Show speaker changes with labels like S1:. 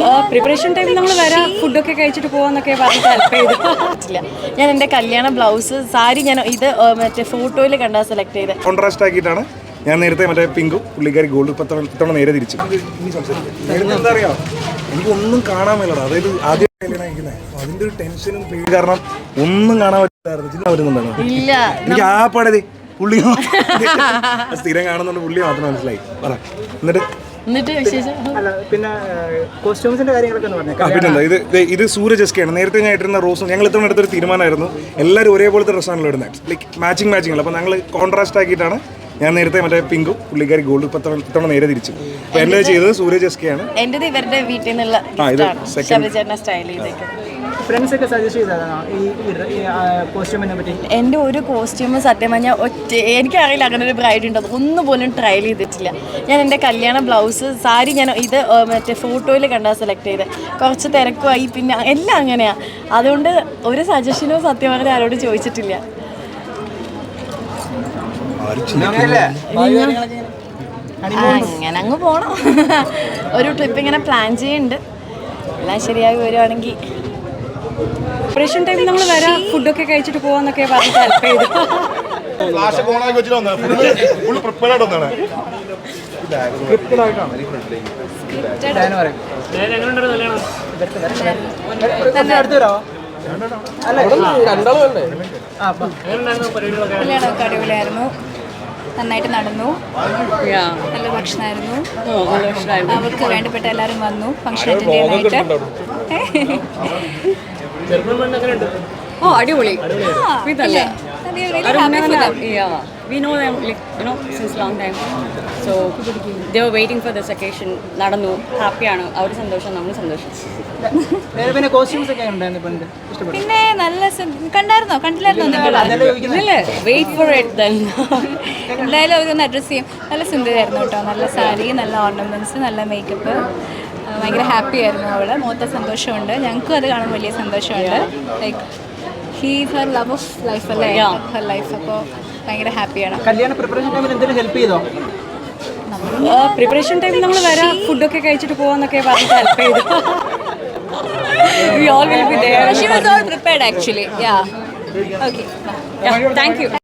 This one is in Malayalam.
S1: പ്രിപ്പറേഷൻ ടൈമിൽ നമ്മൾ വരാം ഫുഡൊക്കെ കഴിച്ചിട്ട് പോകാന്നൊക്കെ പറഞ്ഞിട്ട് ഹെൽപ്പ് ചെയ്തില്ല. ഞാൻ എൻ്റെ കല്യാണ ബ്ലൗസ് സാരി ഞാൻ ഇത് മറ്റേ ഫോട്ടോയിൽ കണ്ടാ സെലക്ട് ചെയ്ത്
S2: കോൺട്രാസ്റ്റ് ആക്കിയിട്ടാണ് ഞാൻ നേരത്തെ മറ്റേ പിങ്കും പുള്ളിക്കാരി ഗോൾഡ് ഇത്തവണ നേരെ തിരിച്ചു. എന്താ അറിയാം, എനിക്കൊന്നും കാണാൻ മേലടാ. അതായത് ആദ്യം കല്യാണം കഴിക്കുന്നത് അതിന്റെ ഒരു ടെൻഷനും പേടി കാരണം ഒന്നും കാണാൻ പറ്റില്ലായിരുന്നു. വരുന്നുണ്ടായിരുന്നു
S1: ഇല്ല.
S2: എനിക്ക് ആ പടതി പുള്ളി സ്ഥിരം കാണുന്നുണ്ട്, പുള്ളി മാത്രം മനസ്സിലായി. പറ
S1: എന്നിട്ട് വിശേഷം
S3: പിന്നെ കോസ്റ്റ്യൂംസിന്റെ കാര്യങ്ങളൊക്കെ
S2: പിന്നെന്താ ഇത് സൂര്യജസ്കയാണ്. നേരത്തെ ഞാൻ ഇട്ടിരുന്ന റോസും ഞങ്ങൾ ഇത്തവണ എടുത്തൊരു തീരുമാനമായിരുന്നു. എല്ലാവരും ഒരേപോലത്തെ ഡ്രസ്സാണല്ലോ ഇടുന്നത്, ലൈക്ക് മാച്ചിങ് അപ്പോൾ ഞങ്ങൾ കോൺട്രാസ്റ്റ് ആക്കിയിട്ടാണ് ഞാൻ നേരത്തെ മറ്റേ പിങ്കും പുള്ളിക്കാരി ഗോൾഡ് ഇത്തവണ നേരെ തിരിച്ചു. അപ്പോൾ എൻ്റെ ചെയ്തത് സൂര്യജസ്കയാണ്.
S1: എൻ്റെത് ഇവരുടെ വീട്ടിൽ നിന്നുള്ള സ്റ്റൈൽ ചെയ്തേക്കും.
S3: ഫ്രണ്ട്സ് ഒക്കെ സജസ്റ്റ് ചെയ്തതാണോ ഈ കോസ്റ്റ്യൂമിനെ പറ്റി?
S1: എൻ്റെ ഒരു കോസ്റ്റ്യൂം സത്യം പറഞ്ഞാൽ എനിക്കറിയില്ല അങ്ങനെ ഒരു ബ്രൈഡ് ഉണ്ടോ, ഒന്നും പോലും ട്രയൽ ചെയ്തിട്ടില്ല. ഞാൻ എൻ്റെ കല്യാണ ബ്ലൗസ് സാരി ഞാൻ ഇത് മറ്റേ ഫോട്ടോയിൽ കണ്ടാ സെലക്ട് ചെയ്ത്. കുറച്ച് തിരക്കുമായി, പിന്നെ എല്ലാം അങ്ങനെയാണ്. അതുകൊണ്ട് ഒരു സജഷനോ സത്യം പറഞ്ഞാൽ ആരോട് ചോദിച്ചിട്ടില്ല. അങ്ങനെ അങ്ങ് പോണം. ഒരു ട്രിപ്പ് ഇങ്ങനെ പ്ലാൻ ചെയ്യുന്നുണ്ട്. എല്ലാം ശരിയായി വരുവാണെങ്കിൽ ഓപ്പറേഷൻ ടൈമിൽ നമ്മൾ വരാം ഫുഡൊക്കെ കഴിച്ചിട്ട് പോകാന്നൊക്കെ പറഞ്ഞിട്ട് ഹെൽപ്പ് ചെയ്തു.
S4: കല്യാണമൊക്കെ അടിപൊളിയായിരുന്നു, നന്നായിട്ട് നടന്നു, നല്ല ഭക്ഷണമായിരുന്നു. അവർക്ക് വേണ്ടപ്പെട്ട എല്ലാവരും വന്നു ഫംഗ്ഷൻ അറ്റൻഡ് ചെയ്യാനായിട്ട്.
S1: ഓ അടിപൊളി.
S5: We know them, like, you know, since long time. So they were waiting for this occasion. നടന്നു, ഹാപ്പിയാണ്. അവർ സന്തോഷം, നമ്മൾ സന്തോഷം.
S3: പിന്നെ കോസ്റ്റ്യൂംസ് ഒക്കെ ഉണ്ടായിരുന്നു.
S4: പിന്നെ നല്ല കണ്ടില്ലായിരുന്നോ?
S5: Wait for it then.
S4: എന്തായാലും അവരൊന്ന് അഡ്രസ്സ് ചെയ്യും. നല്ല സുന്ദരിയായിരുന്നു കേട്ടോ, നല്ല സാരി, നല്ല ഓർണമെന്റ്സ്, നല്ല മേക്കപ്പ്. ഭയങ്കര ഹാപ്പി ആയിരുന്നു അവള്. മൊത്തം സന്തോഷമുണ്ട്, ഞങ്ങൾക്കും അത് കാണാൻ വലിയ സന്തോഷമുണ്ട്. Like he's her love of life അല്ലേ, ഹർ ലൈഫ്. അപ്പോൾ ഭയങ്കര ഹാപ്പിയാണ്.
S3: കല്യാണ പ്രിപ്പറേഷൻ ടൈമിൽ എന്തെങ്കിലും ഹെൽപ്പ് ചെയ്തോ?
S1: പ്രിപ്പറേഷൻ ടൈമിൽ നമ്മൾ വരാം ഫുഡൊക്കെ കഴിച്ചിട്ട് പോകാന്നൊക്കെ പറഞ്ഞിട്ട് ഹെൽപ്പ് ചെയ്തു. We all will be there.
S4: She was all prepared actually. Yeah. Okay.
S1: Thank you.